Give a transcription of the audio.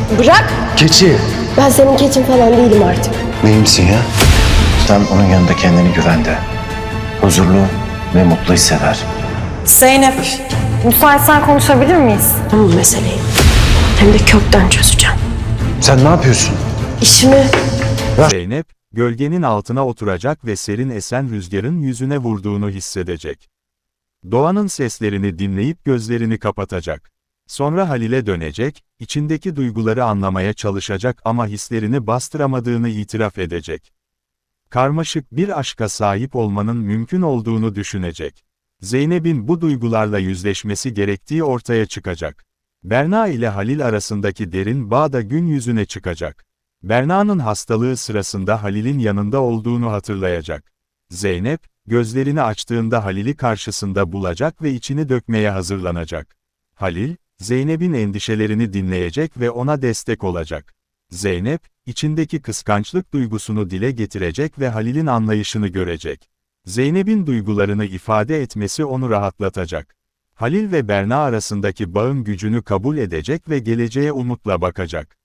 Bırak! Keçi! Ben senin keçin falan değilim artık. Neyimsin ya? Sen onun yanında kendini güvende, huzurlu ve mutlu hisseder. Zeynep, müsaitsen konuşabilir miyiz? Tamam meseleyi. Hem de kökten çözeceğim. Sen ne yapıyorsun? İşimi... Zeynep, gölgenin altına oturacak ve serin esen rüzgarın yüzüne vurduğunu hissedecek. Doğanın seslerini dinleyip gözlerini kapatacak. Sonra Halil'e dönecek, içindeki duyguları anlamaya çalışacak ama hislerini bastıramadığını itiraf edecek. Karmaşık bir aşka sahip olmanın mümkün olduğunu düşünecek. Zeynep'in bu duygularla yüzleşmesi gerektiği ortaya çıkacak. Berna ile Halil arasındaki derin bağ da gün yüzüne çıkacak. Berna'nın hastalığı sırasında Halil'in yanında olduğunu hatırlayacak. Zeynep, gözlerini açtığında Halil'i karşısında bulacak ve içini dökmeye hazırlanacak. Halil, Zeynep'in endişelerini dinleyecek ve ona destek olacak. Zeynep, içindeki kıskançlık duygusunu dile getirecek ve Halil'in anlayışını görecek. Zeynep'in duygularını ifade etmesi onu rahatlatacak. Halil ve Berna arasındaki bağın gücünü kabul edecek ve geleceğe umutla bakacak.